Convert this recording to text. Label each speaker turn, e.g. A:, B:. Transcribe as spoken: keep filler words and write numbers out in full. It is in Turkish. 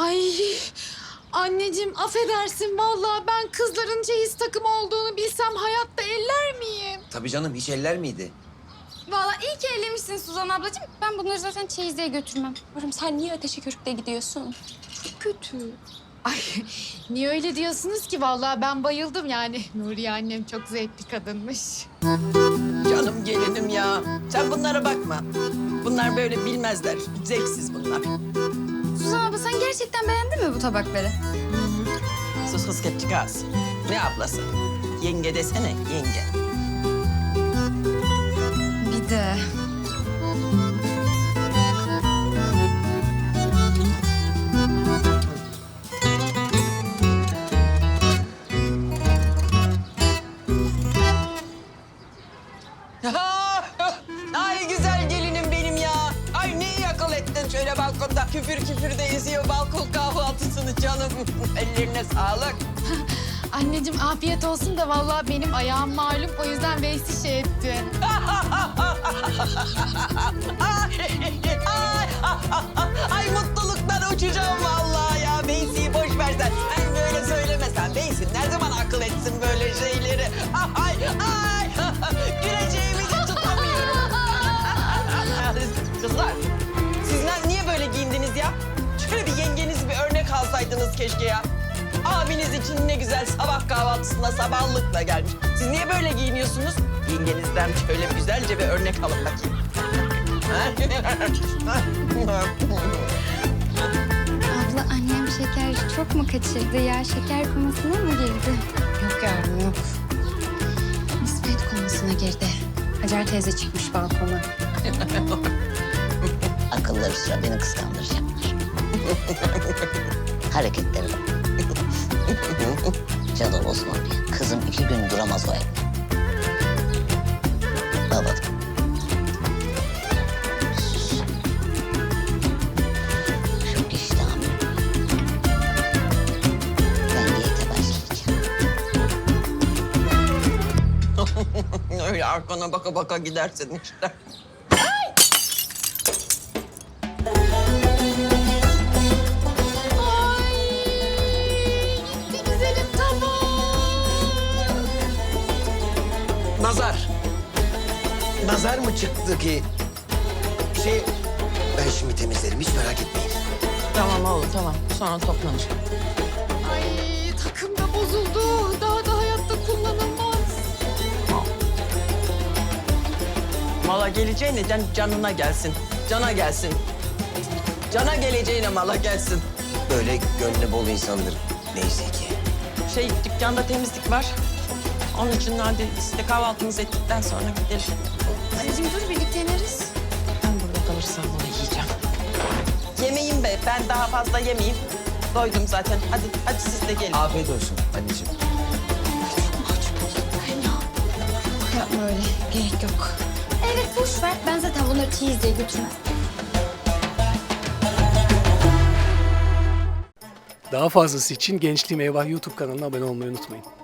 A: Ay anneciğim affedersin vallahi ben kızların çeyiz takımı olduğunu bilsem hayatta eller miyim?
B: Tabii canım, hiç eller miydi?
C: Vallahi iyi ki ellemişsin Suzan ablacığım. Ben bunları zaten çeyizliğe götürmem. Yavrum sen niye ateşe körükle gidiyorsun? Çok kötü.
A: Ay niye öyle diyorsunuz ki vallahi ben bayıldım yani. Nuriye annem çok zevkli kadınmış.
D: Canım gelinim ya. Sen bunlara bakma. Bunlar böyle bilmezler. Zevksiz bunlar.
C: Suzan abla sen gerçekten beğendin mi bu tabakları?
D: Sus kız kepçik ağız. Ne ablası? Yenge desene, yenge.
C: Bir de.
D: Ay güzel gelinim benim ya. Ay ne iyi akıl ettin şöyle balkonda. Küfür küfür de eziyor balkon kahvaltısını canım. Ellerine sağlık.
A: Anneciğim afiyet olsun da vallahi benim ayağım malum o yüzden Veysi şey etti.
D: Ay, ay, ay mutluluktan uçacağım vallahi ya. Beysi'yi boş versen. Ben böyle söylemesen. Beysi ne zaman akıl etsin böyle şeyleri? Ay, ay, güleceğimi de tutamıyorum. Kızlar, siz ne- niye böyle giyindiniz ya? Şöyle bir yengeniz bir örnek alsaydınız keşke ya. Abiniz için ne güzel sabah kahvaltısında sabahlıkla gelmiş. Siz niye böyle giyiniyorsunuz? Yengenizden şöyle güzelce bir örnek alın bakayım.
C: Abla annem şeker çok mu kaçırdı ya? Şeker komasına mı girdi?
E: Yok yavrum yok. Nispet konusuna girdi. Hacer teyze çıkmış balkona.
F: Akılları sıra beni kıskandıracaklar. Hareketleri bak. Canım olsun oraya. Kızım iki gün duramaz o evde. Babadım. Sus. Çok iştahım yok. Ben diyete başlayacağım.
D: Öyle arkana baka baka gidersin işte.
A: Gitti güzelim tabak.
B: Nazar. Nazar mı çıktı ki? Şey, ben şimdi temizlerim, hiç merak etmeyin.
D: Tamam oğlum tamam. Sonra toplanır.
A: Ay takım da bozuldu. Daha da hayatta kullanılmaz.
D: Mala geleceğine can, canına gelsin. Cana gelsin. Cana geleceğine mala gelsin.
B: Böyle gönlü bol insandır neyse ki.
D: Şey dükkanda temizlik var. Onun için hadi siz de kahvaltınızı ettikten sonra gidelim.
C: Anneciğim dur birlikte ineriz.
D: Ben burada kalırsam bunu yiyeceğim. Yemeyeyim be. Ben daha fazla yemeyeyim. Doydum zaten. Hadi hadi siz de gelin.
B: Afiyet olsun anneciğim.
E: Yapma öyle. Gerek yok.
C: Evet boş ver. Ben zaten bunları çeyizliğe götürmem.
G: Daha fazlası için Gençliğim Eyvah YouTube kanalına abone olmayı unutmayın.